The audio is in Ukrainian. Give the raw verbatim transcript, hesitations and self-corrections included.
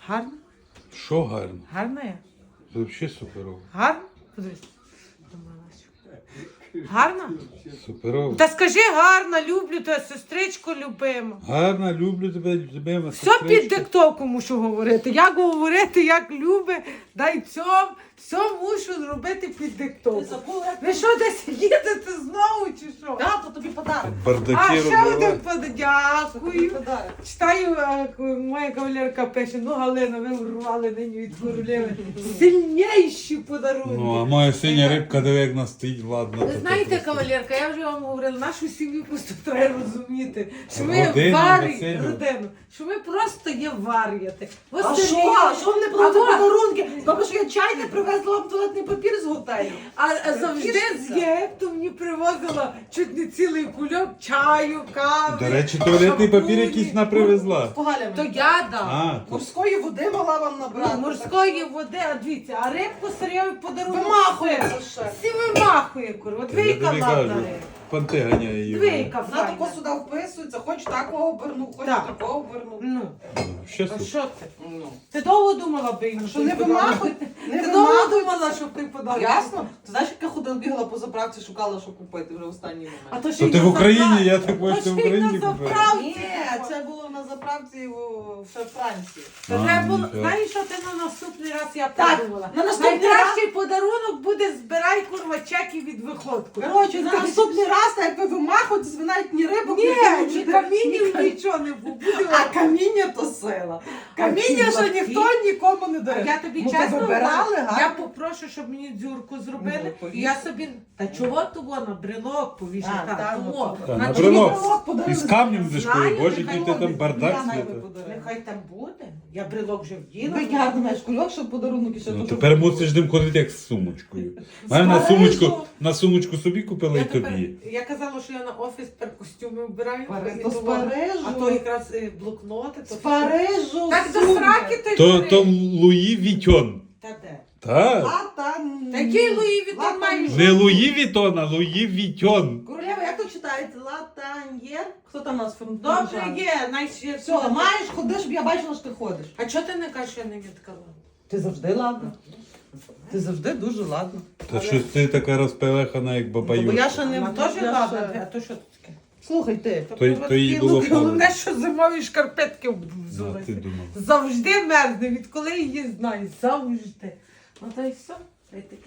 Гарно? Що гарно? Гарно я? Це взагалі суперово. Гарно? Подивись. Гарно? Суперово. Та скажи гарно, люблю тебе, сестричко любима. Гарно, люблю тебе, любима Все сестричка. під диктовку мушу говорити. Як говорити, як люби, дай цьом. Все мушу зробити під диктовку. Ви що, десь їдете знову чи що? Так, то тобі подарок. Бардаки А, ще робила. один подарунок. Дякую. Подарок. Читаю, а, моя кавалерка пише, ну Галина, ви урвали нині від королеви. Сильніші подарунки. Ну, а моя синя рибка, диви, як вона стоїть, ладно. Ви то знаєте, просто- кавалерка, я вже вам говорила, нашу сім'ю просто треба розуміти, що ми Родину, варі, весіллю. родину, що ми просто є вар'яти. А що? А що вони А брали вот. подарунки? Добре, що я чай не привезла вам туалетний папір з готелю. А, а завжди з Єгипту мені привозила чуть не цілий кульок чаю, кави. До речі, туалетний папір шампуні. якийсь вона привезла. З погалями. То я дам. А, то... Морської води мала вам набрати. Ну, морської води, а дивіться, а рибку старєвий подарунок. Вимахує все. за ще. Всі вимахує, курва. Я Двійка тобі ладна кажу, риба. панти ганяє її. Двійка Вона файна. тако сюди вписується, хоч такого оберну, хоч Так. такого оберну. Ну, Ще а супер. що ти? Ну. Ти довго думала би йому? Що не вимахуй, не Ти довго вимахуй. думала, щоб ти подарунок? Ясно? Ти знаєш, як я ходила, бігала по заправці, шукала, що купити вже в останній А момент. то, ще То й ти на в Україні, заправці. я так бачу, То ти в ще й на Україні купила. заправці. Ні, це було на заправці у- ще в Франції. Та А, треба було, ніфіга. знаєш, що ти на наступний раз я Так, подумала? на наступний Найкращий подарунок буде збирай, курва, чеки від виходку. Коротше, на наступний раз, як ви вимахуєте, ви навіть ні рибок, Ні, ні получите, камінів, ні нічого не буде. Буде А каміння то сила. Каміння, що лапки. ніхто нікому не А дає. я тобі Ну, чесно то вибирали, говорю, гарно. я попрошу, щоб мені дзюрку зробили, Ну, і повісь. я собі, та чого того на брелок повішати, А, так, так, того. ну, Та, На на чому брелок. брелок подарили? І з камнем дешкою, Знаю, боже, нехай який ти там ходить. бардак Я навіть світа. подарила. Нехай там буде, я брелок вже вділа. Ви гарно маєш кульок, щоб подарунок і ще Ну дуже тепер мусиш з ним ходити як з сумочкою. Мене на Парижу. сумочку, на сумочку собі купила Я, і тепер, тобі. я казала, що я на офіс тепер костюми вбираю. Пари- і то з того. Парижу. А то якраз е, блокноти. З То Парижу, Так до сумка. сраки той То, бери. то Луї Вітьон. Та де? Так. Латан... Такий Луї Вітон Латан- має. Не Луї Вітон, а Луї Вітьон. Королева, як то читається? Латаньєр? Хто там у нас фрон- Добре фронтжан? є, найші. Все, маєш, ходиш, щоб я бачила, що ти ходиш. А чого ти не кажеш, що я не відкала? Ти завжди ладна. Ти завжди дуже ладна. Та щось ти така розпелехана, як баба Бо я Юрка. ще не... Вона теж я ладна, ще- а то що таке? Слухай ти. То, то їй було Ну, головне, холодно. що зимові шкарпетки Ну, а взулися. ти думав. Завжди мерзне, відколи її знаю, завжди. Ну то й все. Та й таке.